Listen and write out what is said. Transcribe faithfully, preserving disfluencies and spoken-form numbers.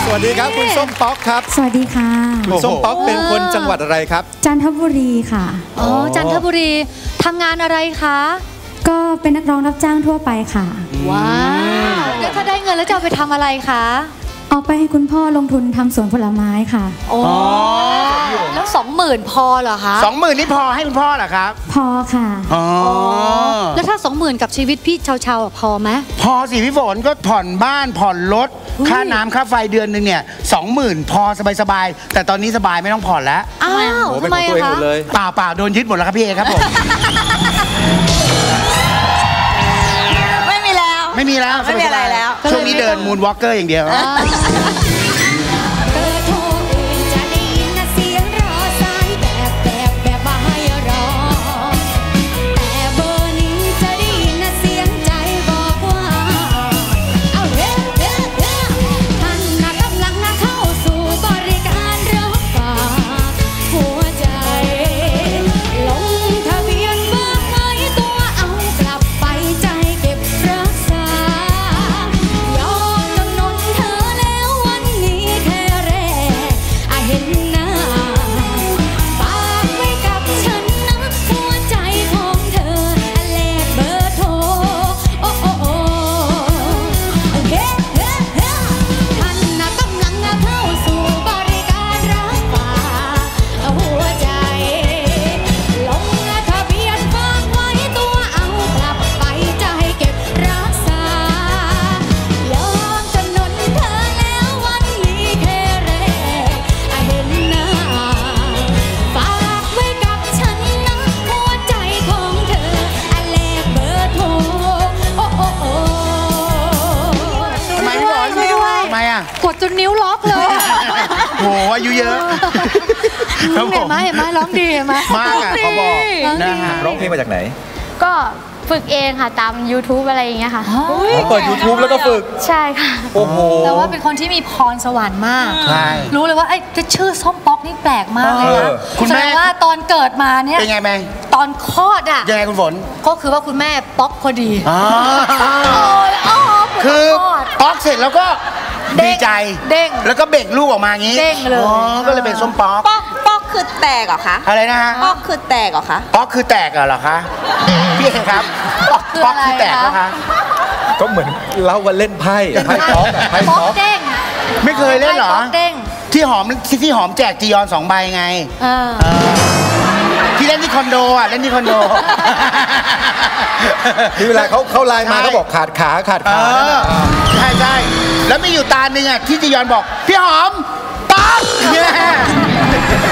สวัสดีครับคุณส้มป๊อกครับสวัสดีค่ะคุณส้มป๊อกเป็นคนจังหวัดอะไรครับจันทบุรีค่ะอ๋อจันทบุรีทำงานอะไรคะก็เป็นนักร้องรับจ้างทั่วไปค่ะว้าวแล้วถ้าได้เงินแล้วจะเอาไปทำอะไรคะเอาไปให้คุณพ่อลงทุนทำสวนผลไม้ค่ะอ๋อแล้วสองหมื่นพอเหรอคะสองหมื่นนี่พอให้คุณพ่อเหรอครับพอค่ะอ๋อแล้วถ้าสองหมื่นกับชีวิตพี่เชาๆพอไหมพอสิพี่ฝนก็ผ่อนบ้านผ่อนรถค่าน้ำค่าไฟเดือนหนึ่งเนี่ยสองหมื่นพอสบายๆแต่ตอนนี้สบายไม่ต้องผ่อนแล้วอ้าวทำไมอะคะเปล่าเปล่าโดนยึดหมดแล้วครับพี่เอครับผมไม่มีแล้วไม่มีแล้วไม่มีอะไรแล้วช่วงนี้เดินมูนวอล์กเกอร์อย่างเดียวกดจนนิ้วล็อกเลยโหอายุเยอะเห็นไหมเห็นไหมร้องดีเห็นไหมมากอ่ะเขาบอกนะฮะร้องเพลงมาจากไหนก็ฝึกเองค่ะตาม ยูทูบ อะไรอย่างเงี้ยค่ะเปิด ยูทูบ แล้วก็ฝึกใช่ค่ะโอ้โหแต่ว่าเป็นคนที่มีพรสวรรค์มากใช่รู้เลยว่าไอ้ชื่อส้มป๊อกนี่แปลกมากเลยนะคุณแม่ว่าตอนเกิดมาเนี่ยเป็นไงแม่ตอนคลอดอ่ะยังไงคุณฝนก็คือว่าคุณแม่ป๊อกพอดีคือป๊อกเสร็จแล้วก็ดีใจเด้งแล้วก็เบ่งลูกออกมาอย่างนี้เด้งเลยก็เลยเป็นส้มป๊อกป๊อกป๊อกคือแตกเหรอคะอะไรนะฮะป๊อกคือแตกเหรอคะป๊อกคือแตกเหรอคะพี่เองครับป๊อกคือแตกนะคะก็เหมือนเล่าว่าเล่นไพ่ไพ่ป๊อกไพ่ป๊อกเด้งไม่เคยเล่นเหรอที่หอมที่หอมแจกจียอนสองใบไงที่เล่นที่คอนโดอ่ะเล่นที่คอนโดที่เวลาเขาเขาไลน์มาเขาบอกขาดขาขาดขาใช่ใช่แล้วมีอยู่ตาหนึ่งอ่ะที่จียอนบอกพี่หอมป๊อกเนี่ย